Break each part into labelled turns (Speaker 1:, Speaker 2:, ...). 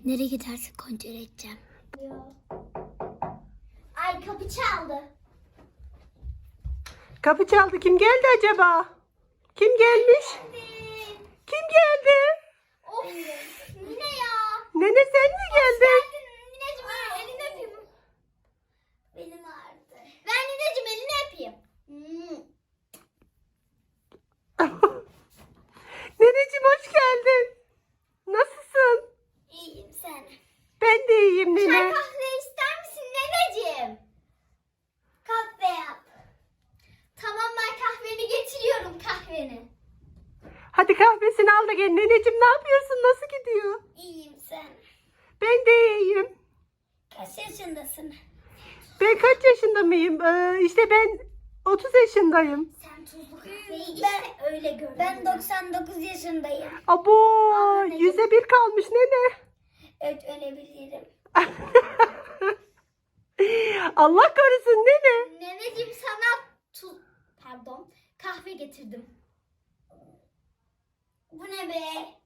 Speaker 1: Nereye gidersin kontrol edeceğim. Ay kapı çaldı.
Speaker 2: Kapı çaldı. Kim geldi acaba? Kim gelmiş? Kim geldi?
Speaker 1: Of Mine ya.
Speaker 2: Nene sen mi geldin?
Speaker 1: Nineciğim elini öpeyim. Benim ağrıdı. Ben Nineciğim elini öpeyim.
Speaker 2: Neneciğim hoş geldin. Nasılsın?
Speaker 1: İyiyim sen.
Speaker 2: Ben de iyiyim
Speaker 1: Çay
Speaker 2: nene.
Speaker 1: kahve ister misin Neneciğim? Kahve yap. Tamam ben kahveni getiriyorum kahveni.
Speaker 2: Hadi kahvesini al da gel. Neneciğim ne yapıyorsun? Nasıl gidiyor?
Speaker 1: İyiyim sen.
Speaker 2: Ben de iyiyim.
Speaker 1: Kaç yaşındasın?
Speaker 2: Ben kaç yaşında mıyım? İşte ben 30 yaşındayım.
Speaker 1: Sen tuzlu kahveyi işte öyle gör. Ben 99 yaşındayım.
Speaker 2: Abo,
Speaker 1: Anne,
Speaker 2: 100'e 1 kalmış nene.
Speaker 1: Evet ölebilirim.
Speaker 2: Allah korusun nene.
Speaker 1: Neneciğim sana kahve getirdim. Bu ne be?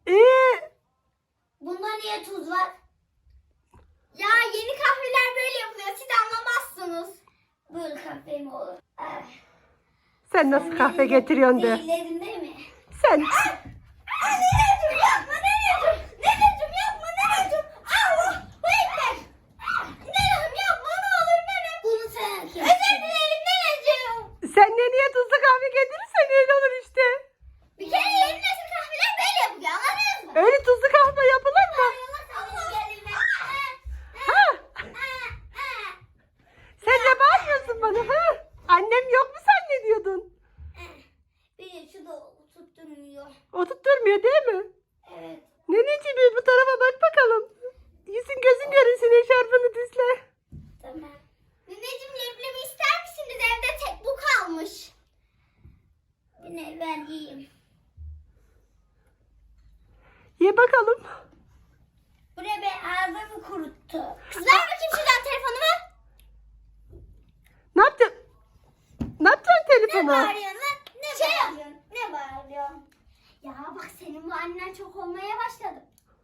Speaker 1: Bunda niye tuz var? Ya yeni kahveler böyle yapılıyor. Siz anlamazsınız. Böyle kahve mi olur?
Speaker 2: Sen nasıl kahve getiriyorsun de.
Speaker 1: Değillerin değil mi?
Speaker 2: Sen
Speaker 1: Neneciğim yapma Neneciğim. Neneciğim yapma Neneciğim. Allah bekler. Nenem yapma ne olur nenem. Bunu sen hak ettin. Özür dilerim Neneciğim.
Speaker 2: sen neneye tuzlu kahve getirirsen öyle olur işte.
Speaker 1: Bir kere yeni nesil kahveler böyle yapılıyor anladınız mı?
Speaker 2: Öyle tuzlu kahve yapılır mı? Ha? Sen ne bağırıyorsun bana ha? Annem yok mu zannediyordun?
Speaker 1: Beni şu da tutturmuyor.
Speaker 2: O tutturmuyor değil mi?
Speaker 1: Evet.
Speaker 2: Neneciğim bir bu tarafa bak bakalım. Yüzün gözün görünsün eşarbını düzle.
Speaker 1: Tamam. Nineciğim leblebi ister misiniz? Evde tek bu kalmış. Yine ben yiyeyim.
Speaker 2: Ye bakalım.
Speaker 1: Bu ne be ağzımı kuruttu. Ver bakayım şuradan telefonumu.
Speaker 2: Ne yapacaksın? Ne yapacaksın
Speaker 1: Ne
Speaker 2: telefona?
Speaker 1: bağırıyorsun lan? Ne bağırıyorsun? Ne bağırıyorsun? Ya bak senin bu annen çok olmaya başladı.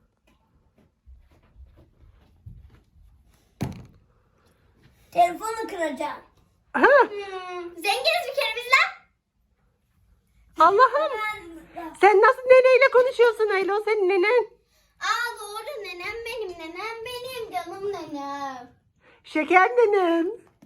Speaker 1: Telefonu kıracağım.
Speaker 2: Ha?
Speaker 1: Zenginiz bir kere biz lan.
Speaker 2: Allah'ım. Sen nasıl neneyle konuşuyorsun öyle? O senin nenen.
Speaker 1: Aa doğru nenem benim canım nenem.
Speaker 2: Şeker nenem.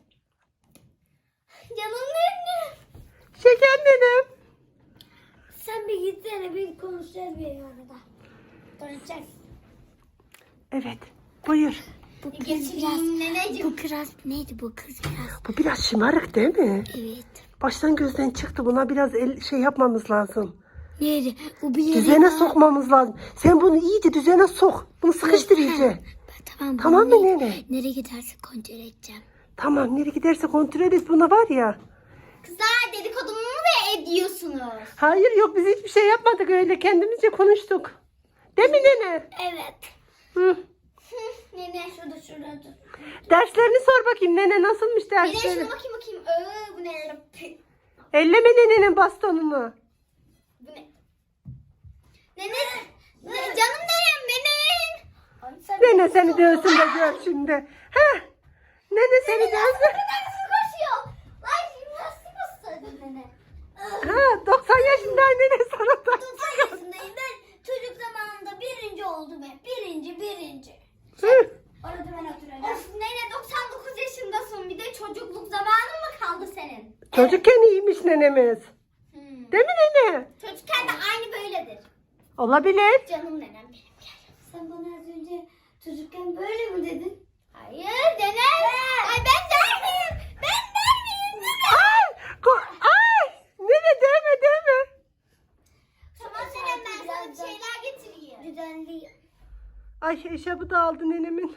Speaker 1: Canım nenem.
Speaker 2: Şeker nenem.
Speaker 1: Sen bir gitsene bir konuşacağız bir arada. Konuşacağız.
Speaker 2: Evet. Buyur.
Speaker 1: Bu kız biraz neneciğim. Bu kız neydi bu kız biraz?
Speaker 2: Bu biraz şımarık değil mi?
Speaker 1: Evet.
Speaker 2: Baştan gözden çıktı. Buna biraz şey yapmamız lazım.
Speaker 1: Neydi? Bu bir
Speaker 2: Düzene sokmamız lazım. Sen bunu iyice düzene sok. Bunu sıkıştır iyice.
Speaker 1: Tamam.
Speaker 2: Tamam mı nene?
Speaker 1: Nereye gidersin kontrol edeceğim.
Speaker 2: Tamam. Nereye giderse kontrol et. Buna var ya.
Speaker 1: Kızlar dedikodumu mu ediyorsunuz?
Speaker 2: Hayır yok biz hiçbir şey yapmadık öyle. Kendimizce konuştuk. Değil mi nene?
Speaker 1: Evet.
Speaker 2: Hı.
Speaker 1: Nene şurada dur.
Speaker 2: Derslerini sor bakayım nene nasılmış
Speaker 1: Nene
Speaker 2: dersleri?
Speaker 1: şuna bakayım. Bu ne?
Speaker 2: Elleme nenenin bastonunu.
Speaker 1: Bu ne? Nene. Canım nenem benim.
Speaker 2: Nene seni dövsün de gör şimdi. Heh. Nene seni dövsün.
Speaker 1: Nasıl koşuyor? Ay jimnastik ustadı nene.
Speaker 2: Ha 90 yaşında nene sana da.
Speaker 1: 90 yaşındayım ben. Çocuk zamanında birinci oldum hep. Birinci.
Speaker 2: Hı.
Speaker 1: Orada ben oturacağım. Of nene 99 yaşındasın. Bir de çocukluk zamanın mı kaldı senin?
Speaker 2: Çocukken iyiymiş nenemiz.
Speaker 1: Hmm.
Speaker 2: Değil mi nene?
Speaker 1: Çocukken de aynı böyledir.
Speaker 2: Olabilir.
Speaker 1: Canım nenem benim gel. Sen bana az önce çocukken böyle mi dedin? Hayır nenem. Ay ben der miyim? Ben der miyim?
Speaker 2: Ay. Nene deme.
Speaker 1: Tamam nenem ben sana bir şeyler getireyim. Düzenleyeyim.
Speaker 2: Ay eşarbı da aldı nenemin.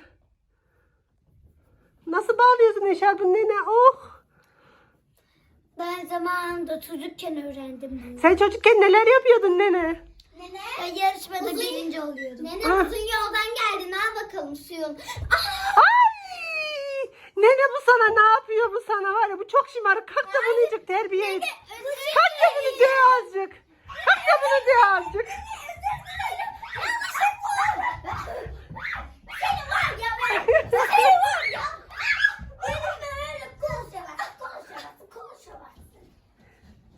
Speaker 2: Nasıl bağlıyorsun eşarbını nene? Oh.
Speaker 1: Ben zamanında çocukken öğrendim bunu.
Speaker 2: Sen çocukken neler yapıyordun nene?
Speaker 1: Nene. Ben yarışmada birinci oluyordum. Nene
Speaker 2: Ah.
Speaker 1: uzun yoldan geldin. Al bakalım suyun.
Speaker 2: Ay! Nene bu sana ne yapıyor bu sana var ya bu çok şımarık. Kalk da bunu azıcık terbiye et. Kalk da bunu döv azıcık. Kalk da bunu döv azıcık.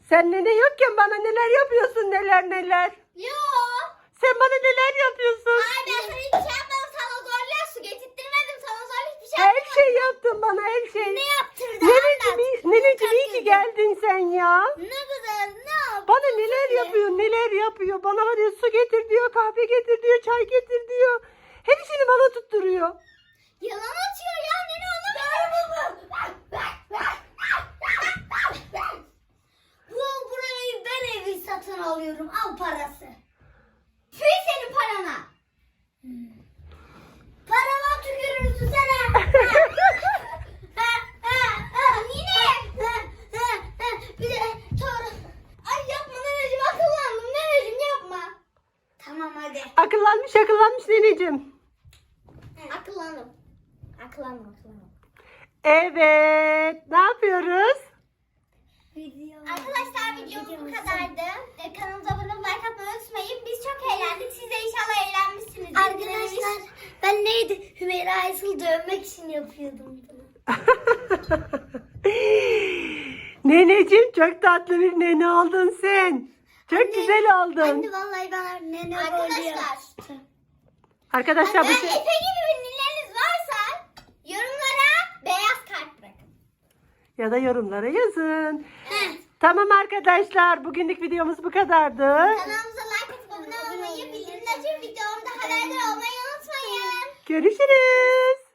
Speaker 2: Sen nene yokken bana neler yapıyorsun, neler.
Speaker 1: Yok.
Speaker 2: Sen bana neler yapıyorsun?
Speaker 1: Ay ben sana hiçbir şey yapmadım. Sana zorla su getirttirmedim. Sana zorla hiçbir şey
Speaker 2: Her
Speaker 1: yapmadım.
Speaker 2: şey yaptın bana, her şey.
Speaker 1: Ne yaptırdın?
Speaker 2: Neneciğim iyi ki geldin sen ya.
Speaker 1: Ne güzel ne yaptın?
Speaker 2: Bana neler yapıyor. Bana var ya, su getir diyor, kahve getir diyor, çay getir diyor. Hepsini bana tutturuyor.
Speaker 1: Yalan atıyor ya. Nene onu burayı ben evi satın alıyorum. Al parası. Tüy senin parana. Parama tükürürsün sana. Nine. Bir de doğru. Ay yapma neneciğim, akıllandım. Neneciğim yapma. Tamam hadi.
Speaker 2: Akıllanmış neneciğim.
Speaker 1: Akıllandım. Akıllandım.
Speaker 2: Evet, ne yapıyoruz?
Speaker 1: Arkadaşlar videomuz bu kadardı. Kanalımıza abone olup like atmayı unutmayın. Biz çok eğlendik. Siz de inşallah eğlenmişsinizdir. Arkadaşlar ben neydi? Hümeyra Aysel'i dövmek için yapıyordum bunu.
Speaker 2: Neneciğim çok tatlı bir nene oldun sen. Çok güzel oldun.
Speaker 1: Anne vallahi bana nene rolü yaptı.
Speaker 2: Arkadaşlar bu
Speaker 1: Efe
Speaker 2: şey...
Speaker 1: gibi ünlüleriniz varsa yorumlara beyaz kalp bırakın.
Speaker 2: Ya da yorumlara yazın.
Speaker 1: Evet.
Speaker 2: Tamam arkadaşlar, bugünlük videomuz bu kadardı.
Speaker 1: Kanalımıza like atıp abone olmayı, bildirimleri açıp videomda haberdar olmayı unutmayın.
Speaker 2: Görüşürüz.